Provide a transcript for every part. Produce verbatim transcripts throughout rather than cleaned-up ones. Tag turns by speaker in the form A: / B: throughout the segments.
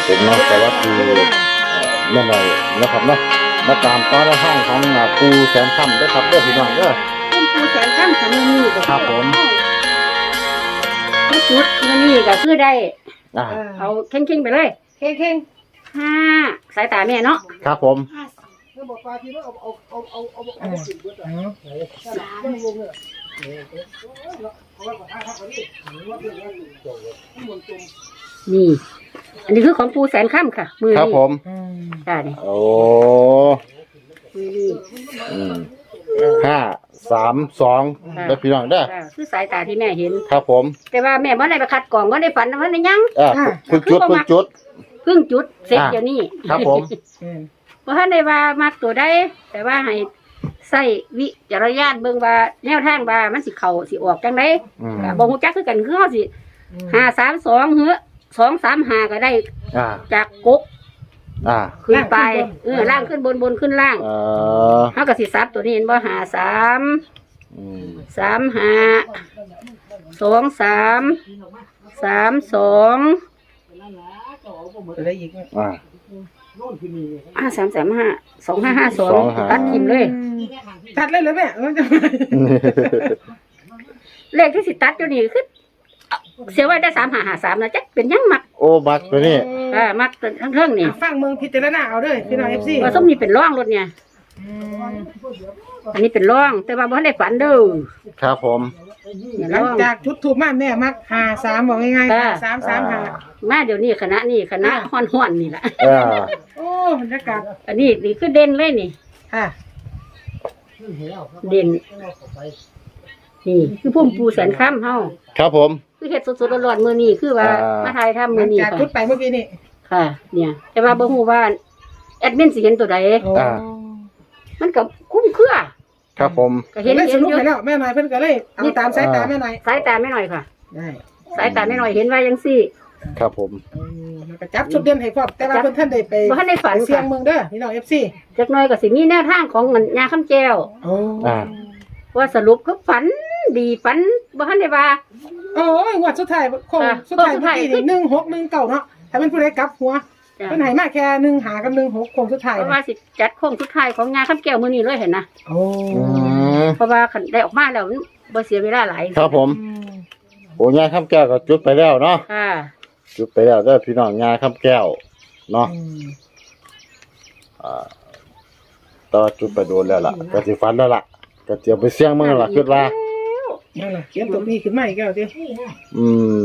A: ผมเนาะแต่ว่าคือเมื่อไรนะครับเนาะมาตามตอนห้างของปูแสนค่ำด้วยครับเด้อพี่น้องเด้อ
B: คุณปูแสนค่ำสำนีก็
A: ครับผม
B: ที่สุดมันนี่ก็คือได้
A: อ่า
B: เอาเข่งๆไปเลยเข่งๆห้าสายตาแม่เนาะ
A: ครับผม
B: นี่ อันนี้คือของปูแสนค่ำค่ะ มือ
A: ครับ
B: นี่
A: ผม
B: จ้านี่
A: โอ้
B: มือนี่
A: อืมห้าสามสองเด้อพี่น้องเด้อ
B: จ้าคือสายตาที่แม่เห็น
A: ครับผม
B: แต่ว่าแม่บ่ได้ไปคัดกล่องบ่ได้ฝันว่าได้ยัง
A: อ่าพึ่งจุดพึ่งจุด
B: เพิ่งจุดเสร็จเดี๋ยวนี้
A: ครับผม
B: เพราะท่านได้ว่ามักตัวได้แต่ว่าให้ใส่วิจารณญาณเบิ่งว่าแนวทางว่ามันสิเข้าสิออกจังได๋
A: อืม
B: ก็บ่ฮู้จักคือกันคือเฮาสิห้าสามสองเหือสองสามห้าก็ได้
A: อ่า
B: จากกก
A: อ่า
B: ขึ้นไปเออล่างขึ้นบนบนขึ้นล่าง
A: เอ่อ
B: เฮาก็สิซับตัวนี้เห็นบ่ห้าสาม
A: อืม
B: สามห้าสองสามสามสอง
C: อะไรอีก
A: อ่า
B: ห้าสามสามห้าสองห้าห้าสองตัดทิมเลย
C: ตัดเลยเลยแม่มันจะ
B: เลขที่สิตัดอยู่นี่คือเสียไว้ได้สามห้าห้าสามนะจ๊ะเป็นยังมัก
A: โอ้บักตัวนี้
B: อ่ามักทั้งเทิงนี่
C: ฟังเมืองพิจารณาเอาด้วยพี่น้องเอฟซี
B: ว่าส้มนี่เป็นร่องรถเนี่ยอันนี้เป็นร่อง แต่ว่าบ่ได้ฝันเด้อ
A: ครับผม
B: เนี่ย
C: หลั
B: ร่
C: ง
B: อง
C: จากชุดถูกมากแม่มักหาสามบอกง่ายๆ
B: ค่ะ
C: สามสามหา
B: มาเดี๋ยวนี้คณะนี่คณะฮ้อนฮ้อนๆนี่แหละ
A: อ่า
C: โอ้บรรยากาศ
B: อันนี้นี่คือเด่นเลยนี่
C: ค่ะ
B: เด่นนี่คือพุ่มปูแสนค่ำเฮา
A: ครับผม
B: คือเฮ็ดสดๆร้อนๆมื้อนี้คือว่า
A: อ่าม
B: มาถ่ายทำ
C: หลั
B: มื้อง นี้
C: จาก
B: ค่ะ
C: ชุดไปเมื่อกี้นี่
B: ค่ะ เนี่ย แต่ว่าบ่ฮู้ว่าแอดมินสิเห็นตัวใด
C: โอ้
B: มันก็คุ้มเครือ
A: ครับผม
B: ก็เห็น
C: ได้ส
B: เห็น
C: รุป
B: อยู่
C: ไปแล้วแม่หน่อยเพิ่นก็เลยเอาตามสายตาแม่หน่อย
B: สายตาไม่หน่อยค่ะ
C: ได้
B: สายตาไม่หน่อยเห็นว่าจังซี่
A: ครับผม
C: แล้วก็จับชุดเด่นให้พร้อมแต่ว่าเพิ่นท่านได้ไป
B: บ่ทันได้ฝัน
C: เสีย
B: ค่ะ
C: งเมืองเด้อพี่น้องเอฟซี
B: จักหน่อยก็สิมีแนวทางของเงินยาคำแก้ว
C: โอ้
A: อ่า
B: ว่าสรุปคือฝันดีฝันบ่ทันได้ว่า
C: โอ้ยงวดสุดท้ายคง
B: ค่ะ
C: สุดท้าย
B: สุด
C: เมื่อ
B: ท้าย
C: กี้นี่หนึ่งหกหนึ่งเก้าเนาะถ้าเป็นผู้ใดกลับหัว
B: จ้ะ
C: เพิ่นให้มาแค่หนึ่งหากับหนึ่งหกคงสุดท้าย
B: เพราะว่าสิจัดโค้งสุดท้ายของยาคำแก้วมื้อนี้เลยเห็นนะ
C: โอ้
A: อืม
B: เพราะว่าคันได้ออกมาแล้วมันบ่เสียเวลาหลาย
A: ครับผมโอ้ยาข้ามแก้วก็จุดไปแล้วเนาะ
B: ค่ะ
A: จุดไปแล้วเด้อพี่น้องยาข้ามแก้วเนาะ
C: อืม
A: อ่าต่อจุดไปโดนแล้วล่ะก็สิฟันแล้วล่ะก็เตรียมไปเสี่ยงมึงแล้วล่ะคิดว่า
C: นั่นล่ะเขียนตัวนี้ขึ้นมาอีกแล้วติ
A: อืม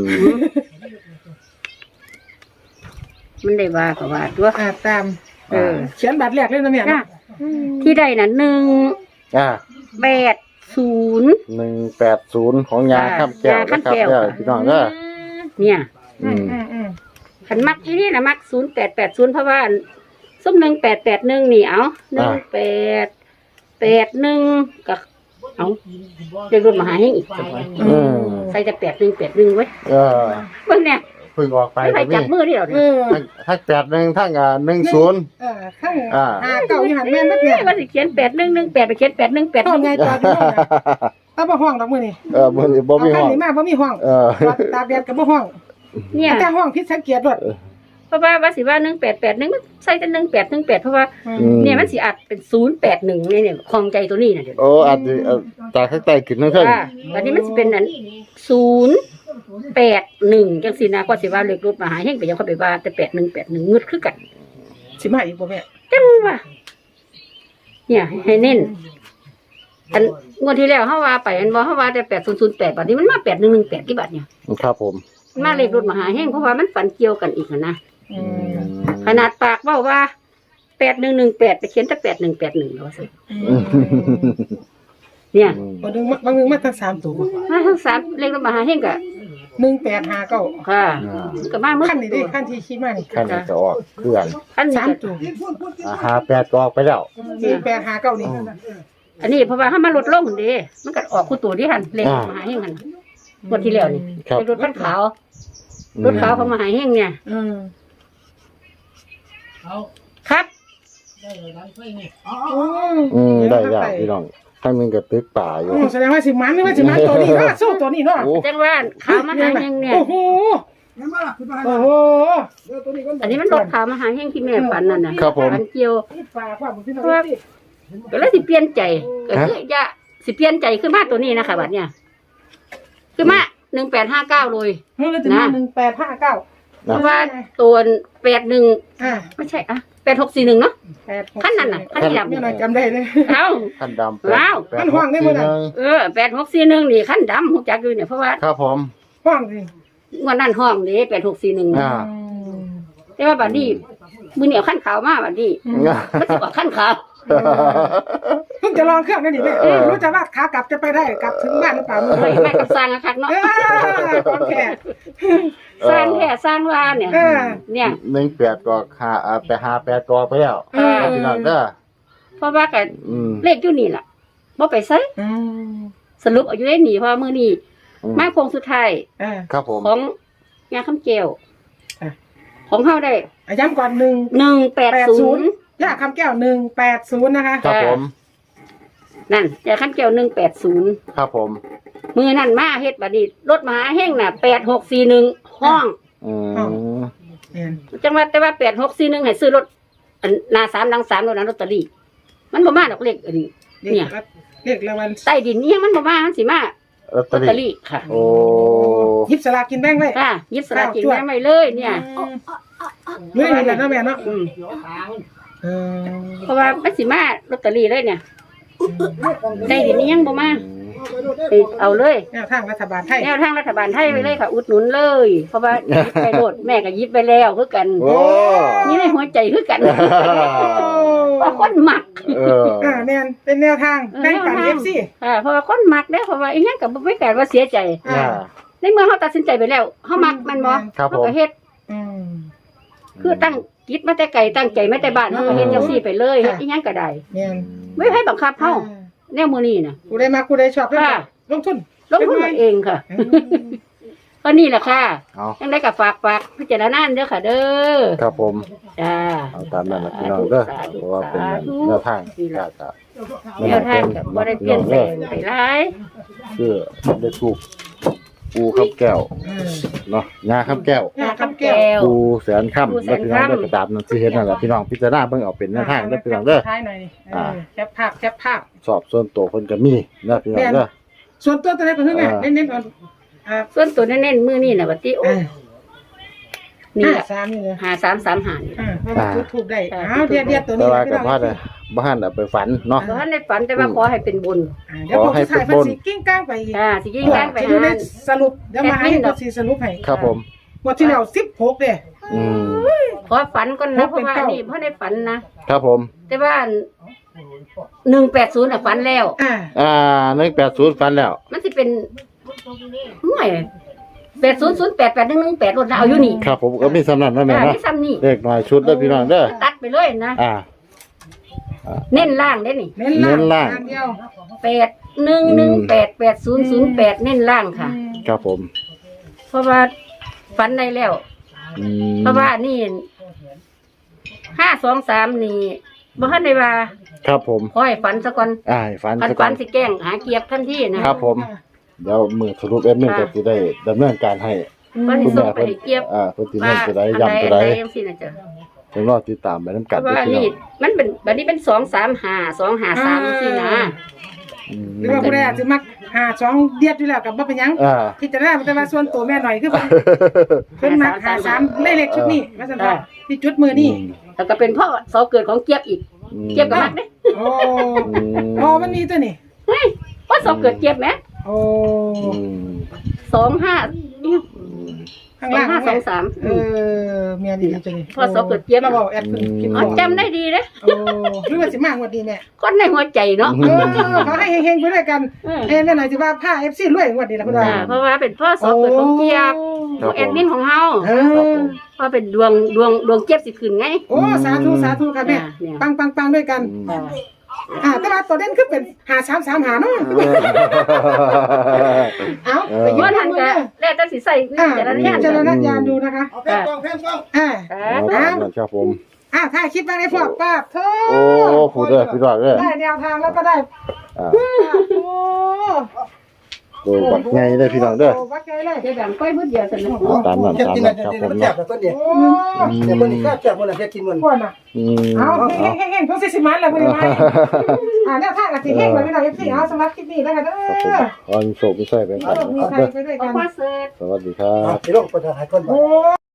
B: มันได้ว่าก็ว่าตัว
C: อ่าตาม
B: เออ
C: เขียนบัตรแรกเลยนะแม่
B: จ้ะ
C: เนาะ
B: ที่ได้น่ะหนึ่ง
A: อ่า
B: แปดศูนย์
A: หนึ่งแปดศูนย์ของยาข้ามแก้วย
B: า
A: นะ
B: ข้าม
A: ครับ
B: แก้ว
A: เด้อพี่น้องเด้อ
B: เนี่ย
A: อืม
C: อืมอืม
B: คันมักที่นี่น่ะมักศูนย์แปดแปดศูนย์เพราะว่าส้มหนึ่งแปดแปดหนึ่งนี่เอาหนึ่งแปดแปดหนึ่งก็เอาเรียกรถมาหาให้อีกสักวัน
A: อืม
B: ใส่แต่แปดหนึ่งแปดหนึ่งไว้
A: เออ
B: เบิ่งเนี่ย
A: เพิ่งออกไป
B: ไม่ใคร
A: ก็มี
B: จับมือที่เรา
C: เอ
B: เนี่ย
C: อ
A: ทั้งทั้งแปดหนึ่งทั้งอ่าหนึ่งศูนย์
C: เออข้าง
A: อ่า
C: หาเก่าอยู่หันแม่นบัดเนี่ย
B: ว่าสิเขียนแปดหนึ่งหนึ่งแปดไปเขียนแปดหนึ่งแปด
C: ห้องไงจอดอยู่ห้องน่ะตาบ่ห้องดอกมื้อนี่
A: เออบ่มีบ่
C: เอา
A: มี
C: คั
A: ห้
C: น
A: อง
C: นี้มาบ่มีห้อง
A: เออ
C: จอดตากแดดก็บ่ห้อง
B: เนี่ย
C: แต่ห้องผิดสังเกตรถ
B: เพราะว่าว่าสิว่าหนึ่งแปดแปดหนึ่งมันใส่แต่หนึ่งแปดหนึ่งแปดเพราะว่า
A: อืม
B: เนี่ยมันสิอัดเป็นศูนย์แปดหนึ่งเนี่ยเนี่ยคลองใจตัวนี้น่ะเดี๋ยว
A: โอ้อาจจะเอ่อจากข้างใต้ขึ้นทั้งขึ้น
B: อ่าอันนี้มันสิเป็นอันศูนย์แปดหนึ่งจังสินะก็สิว่าเลขรถมาหาเฮงไปยังเขาไปว่าแต่แปดหนึ่งแปดหนึ่งงึดคือกัน
C: สิมาอีกบ่แม่
B: จังว่าเนี่ยให้เน้นอันงวดที่แล้วเขาว่าไปอันบอกเขาว่าแต่แปดศูนย์ศูนย์แปดบาทนี้มันมาแปดหนึ่งหนึ่งแปดกี่บาทเนี่ย
A: ครับผม
B: มันมาเลขรถมาหาเฮงเพราะว่ามันฝันเกี่ยวกันอีกนะ
C: อืม
B: ขนาดปากเว่าว่าแปดหนึ่งหนึ่งแปดไปเขียนแต่แปดหนึ่งแปดหนึ่งแล้วสิเนี่ย
C: บางนึงมาบางนึงมาทั้งสามตัว
B: มาทั้งสามเลขรถมาหาเฮงกะ
C: หนึ่งแปดห้าเก้า
B: ค่ะมันก็มาเมื่อ
C: ขั้นนี้ดิขั้นที่คิดมานี่
A: ขั้นนี้จะออกเคลื่อน
B: ขั้นนี้
C: สาม
B: ก็
C: ตัว
A: อ่าหาแปดก็ออกไปแล้ว
C: หนึ่งแปดห้าเก้านี่
B: อันนี้เพราะว่าถ้ามาลดลงเด้มันก็ออกคู่ตัวที่หันเลขรถมาหาเฮงหันงวดที่แล้วนี่
A: ครับ
B: เลขรถคันขาวรถขาวเขามาหาเฮงเนี่ย
C: อืม
B: ครับ
A: อืมได้แล้วพี่น้องข้างหนึงก็ตึกป่าอยู่
C: แสดงว่าสิมันหรือว่าสิมันตัวนี้เนาะสู้ตัวนี้เนาะ
A: โอ้
B: จังว่าขาวมาหาเฮงเนี่ย
C: โอ้โหโอ้โห
B: อันนี้มันรถขาวมาหาแห้งที่แม่ฝันนั่นน่ะ
A: ครับผม
B: ฝันเกี่ยว
C: ฝากความพี่น้องสิ
B: ก็เลยสิเปลี่ยนใจก็คือจะสิเปลี่ยนใจขึ้นมาตัวนี้นะคะบัดเนี่ยคือมาหนึ่งแปดห้าเก้าเลย
C: เฮ้ยเราจะมาหนึ่งแปดห้าเก้า
B: เพราะว่าตัวแปดหนึ่ง
C: อ่า
B: ไม่ใช่อะแปดหกสี่หนึ่งเนาะ
C: แปดหก
B: ขั้นนั้นน่ะขั้นที่ดำ
C: เนี่ยเราจำได้เลย
B: เอ้า
A: ขั้นดำ
B: ว้าว
A: แปด
C: มันห่วงได้หมดอะ
B: เออแปดหกสี่หนึ่งนี่ขั้นดำหูจักอยู่เนี่ยเพราะว่า
A: ครับผม
C: ห้องสิ
B: งวันนั้นห้องนี่แปดหกสี่หนึ่ง
A: อ่า
B: แต่ว่าบัดนี้มือเหนียวขั้นขาวมากบัดนี้มันจะบอกขั้นขาว
C: เพิ่งจะลองเครื่องนั่นนี่แม่
A: เออ
C: รู้จะว่าขากลับจะไปได้กลับถึงบ้านหรือเปล่า
B: เฮ้ยแม่ก็สร้างอะคักเนาะ
C: เออของแขก
B: สร้างแค่สร้างว่าเนี่ย
C: เออ
B: เนี่ย
A: หนึ่งแปดก็หาอ่าไปหาแปดกอไปแล้ว
C: เออ
A: พี่น้องเด้อ
B: เพราะว่ากับ
A: อืม
B: เลขอยู่นี่ล่ะบ่ไปไส
C: อืม
B: สรุปเอาอยู่ได้หนีเพราะว่ามื้อนี้
A: อืม
B: มาโคงสุดท้าย
C: เออ
A: ครับผม
B: ของยาคำแก้ว
C: อ่ะ
B: ของเฮาได้
C: อ่ะย้ำก่อนหนึ่ง
B: หนึ่งแปดศูนย์
C: ย่าคำแก้วหนึ่งแปดศูนย์นะคะ
A: ครับผม
B: นั่นยาคำแก้วหนึ่งแปดศูนย์
A: ครับผม
B: มือนั่นมาเฮ็ดบัดนี้รถมหาแห้งน่ะแปดหกสี่หนึ่งห้อง
A: อืม
C: เนี่ย
B: จังว่าแต่ว่าแปดหกสี่หนึ่งให้ซื้อรถอันหน้าสามหลังสามรถนั้นลอตเตอรี่มันบ่มาดอกเลขอันนี้ เนี่ย
C: เรียกรางวัล
B: ใต้ดินนี่ยังมันบ่มามันสิมา
A: ลอตเต
B: ล
A: อ
B: อตเตอ
A: รี่
B: รี่ค่ะ
A: โอ้
C: ยิบสลากกินแบ่งไว้
B: ค่ะยึดสลากกินแบ่งไว้เลยเนี่ย
C: เรื่องนี้แหละเนาะแม่เนาะ
B: อืม
C: เออ
B: เพราะว่ามันสิมาลอตเตอรี่เลยเนี่ยใต้ดินนี่ยังบ่มาไปเอาเลย
C: แนวทางรัฐบาลไทย
B: แนวทางรัฐบาลไทยไปเลยค่ะ อุดหนุนเลย เพราะว่ายิบไปโดดแม่ก็ยิบไปแล้วคือกัน
A: โอ้
B: นี่ในหัวใจคือกันเพราะคนหมัก
A: เออ
C: อ่าแม่นเป็นแนวทางแบ่งปันเอฟซี
B: ค่ะเพราะว่าคนหมักเด้อเพราะว่าอีหยังก็บ่ไม่แก่ว่าเสียใจ
A: อ่า
B: ในเมื่อเขาตัดสินใจไปแล้วเขามักมันบ่
A: ครับผม
B: เขาก็เฮ็ด
C: อืม
B: คือตั้งคิดมาแต่ไกลตั้งใจมาแต่บ้านเขาก็เฮ็ดจังซี่ไปเลยเฮ็ดอีหยังก็ได้
C: แม่น
B: ไม่ให้บังคับเฮาแนวมื้อนี้น่ะ
C: กูได้มากูได้ชอบเรื่อง
B: ค่ะ
C: ลงทุน
B: ลงทุนกันเองค่ะ
C: อืม
B: ก็นี่แหละค่ะ
A: เอา
B: ยังได้กับฝากฝากพิจารณาเด้อค่ะเด้อ
A: ครับผม
B: จ้า
A: เอาตามนั้นนะพี่น้องเด้อ
B: สาธุ
A: เพราะว่าเป็น
B: สาธุ
A: แนวทาง
B: นี่ล่ะ
A: จะ
B: แนวทางก็บ่ได้เปลี่ยนแปลงไปหลาย
A: คือได้ถูกปูข้าวแก้ว
C: อืม
A: เนาะงาข้าวแก้ว
C: งาคำแก้ว
A: ปูแสนค่ำ
B: ปูแส
A: แล้ว
B: น
A: พี่น้อง
B: ค่ำ
A: ได้กระดาบนั่นที่เห็นนั่นแหละพี่น้องพิจารณาเบิ่งเอาเป็นแนวทางเด้อพี่น้องเด้อ
C: ท้ายหน่อยนี่เออ
A: อ่า
C: แคปภาพแคปภาพ
A: สอบส่วนตัวเพิ่นก็มีนะพี่น้องเด้อ
C: ส่วนตัวตัวไหนก็คือไง
A: อ่า
C: เน้นๆก่อนอ่า
B: ส่วนตัวเน้นๆมื้อนี้น่ะบัดนี้โอ้
C: อ่า
B: นี่
C: ห้า
B: ล่ะ
C: สามนี่เลย
B: ห้าสามสามห้านี่
C: อ่าเพราะว่าจุดถูกได้
B: อ่า
C: อ้าวเดียดเดียดตัว
A: แต่
C: นี้
A: ว่า
C: พี่
A: กับ
C: น้อง
A: ว่าได้บ้านเอาไปฝันเนาะ
B: บ่ทันได้ฝันแต่ว่าขอให้เป็นบุญ
C: อ่าเดี๋ยวผมจะถ่าย
A: ขอให้เป็น
C: เพัน
A: บน
C: สีกิ้งก้างไปอีก
B: อ่าสิยิงกันไป
C: จะดู
B: หา
C: ในสรุปเดี๋ยวมาให้
B: แอดมินด
C: พั
B: อก
C: นสีสรุปให้
A: ครับผม
C: งวดที่แล้วสิบหกเด้
A: อืม
B: ขอฝันก่อนนะเพ
C: เป็
B: ราะ
C: น
B: ว่า
C: เก้า
B: นี่เพราะได้ฝันนะ
A: ครับผม
B: แต่ว่าหนึ่งแปดศูนย์อ่ะฝันแล้ว
C: อ่า
A: อ่าหนึ่งแปดศูนย์ฝันแล้ว
B: มันสิเป็นห่วยแปดศูนย์ศูนย์แปดแปดหนึ่งหนึ่งแปดรถนะเอาอยู่นี่
A: ครับผมก็มีสำนักนั่นแหละ
B: อ่า
A: เนาะ
B: ที่ซ้ำนี่
A: เลขหน่อยชุดเด้อพี่น้องเด้อ
B: ตัดไปเลยนะ
A: อ่า
B: เน้นล่างได้นี่
C: เน้น
A: เน้นล่า
C: ล่าง งเดียว
B: แปดหนึ่งหนึ่งแปดแปดศูนย์ศูนย์แปดเน้นล่างค่ะ
C: อืม
A: ครับผม
B: เพราะว่าฝันได้แล้ว
A: อืม
B: เพราะว่านี่ห้าสองสามนี่บ่ทันได้ว่า
A: ครับผม
B: ขอให้ฝันซะก่อน
A: อ่าให้ฝัน
B: ฝัน
A: ซะก่
B: ฝั
A: อน
B: นสิแกล้งหาเกียบทันทีนะครับ
A: ผมเดี๋ยวมือสรุปเอ็มนี่ก็สิได้ดำเนินการให้
B: ฝันสิ
A: คุณ
B: ส่ง
A: แม่
B: ไป
A: เพิ่น
B: ให้เกียบ
A: อ่าเพิ่นสิ
B: ว่า
A: เน้นตัวใด
B: อัน
A: ย้ำตัว
B: ใด
A: ใด
B: อันใดจังซี่นะจ๊ะ
A: เพิ่นรอติดตามไปนํ
B: เพ
A: กัน
B: ราะ
A: เด้อ
B: ว่า
A: พี่น้
B: นี่
A: อง
B: มันเป็นบัดนี้เป็นสองสามห้าสองห้าสามสี่นะ
A: อืม
C: หรือว่าผู้ใดอาจจะมักหาสองเดียดอยู่แล้วกับบ่เป็นหยัง
A: อ่า
C: พิจารณาแต่ว่าส่วนตัวแม่หน่อยคือเพิ่นเพิ่นมักหาสามในเลขชุดนี้ว่าซั่นว่าที่จุดมือนี่
B: แล้วก็เป็นพ่อเสาเกิดของเกียบอีก
A: อืม
B: เกียบก็มักเด้
C: โอ้โอ้มันมีตัวนี่
B: เฮ้ยว่าเสาเกิดเกียบไหม
C: โอ้
A: อืม
B: สองห้า
A: อืม
C: ข้าง
B: สอง
C: ล่าง
B: ห้าสองสาม
C: เออเมียดีจังนี่
B: พอสอบเกิดเจี๊ยบ
C: มาบอกแอดเพิ่นคิด
B: อ๋
C: บ
B: อ
C: อก
B: จำได้ดีเลย
C: โอ้หรือว่าสิมากกว่าดีแม่
B: คนในหัวใจเนาะ
C: เออขอให้เฮงๆไปด้วยกัน
B: เออ
C: เอ้แม่หน่อยสิว่าผ้า เอฟ ซี รวยกว่าดีล่ะคุณว่า
B: อ่าเพราะว่าเป็นพ่อเสาเกิดของเกียบของแอดมินของเฮา
C: เอ
A: ครับผ
C: อ
A: ม
B: ว่าเป็นดวงดวงดวงเกียบสิขึ้นไง
C: โอ้สาธุสาธุค่ะแม่
B: อ่าเนี่ย
C: ปังปังปังด้วยกัน
A: อืม
C: อ่าแต่ว่าตัวเด่นคือเป็นหาสามสามหาเนาะเอ้าไปยื
B: ว่าน ทัน
C: มื
B: ก็
C: อ
B: แล้วแต่สิใส่
C: อ่า
B: แต่ละ
C: พิ
B: อย่าง
C: จารณญาณดูนะคะ
D: เอาแพงกล้องแพงกล้อง
C: อ่า
B: อ่า
A: ครับผม
C: อ่าถ้าคิดว่าในพวกป้าบเธอ
A: โอ้ผู้เด้อพี่น้องเด้อ
C: ได้แนวทางแล้วก็ได้
A: อ่า
C: โอ้
A: โดยบักไงได้พี่น้องเด้อ
C: โวัดไงเลย
B: เดี๋ยวดังก้อยมืดเดียวเสร็จแล้ว
A: ตามนั้น
D: เฮ็ด
A: ตาม
D: กิน
A: นั้
D: น่ะ
A: นครับ
D: เดี๋ยว
A: ผม
D: มันแซ่
C: โอ้
D: บแล้วเพิ่นนี่
C: โอ้
D: เดี๋ยวเพิ่นนี่แซ่บๆเพิ่นน่ะเฮ็ดกินมัน
C: ก่อนน่ะ
A: อืม
C: เอา
A: เอา
C: เฮ้งเฮ้งเฮ้งต้องสิมันแล้วคุณยายอ่าแนวทางกับสิเฮงเลยพี่น้องเอฟซีเอาสำหรับคลิปนี้แล้วกันเด้
A: ครับผม
C: อ
A: อันโศกไม่ใช่ไป
C: เอา
A: กัน
C: มี
A: ครับ
C: ใคร
A: เด้อ
C: ไปด้วย
B: เอา
C: กัน
B: พ่อเสิร์ฟ
A: สวัสดีครับ
D: อ่ะสิลงไปถ่ายคนบ่
C: โอ้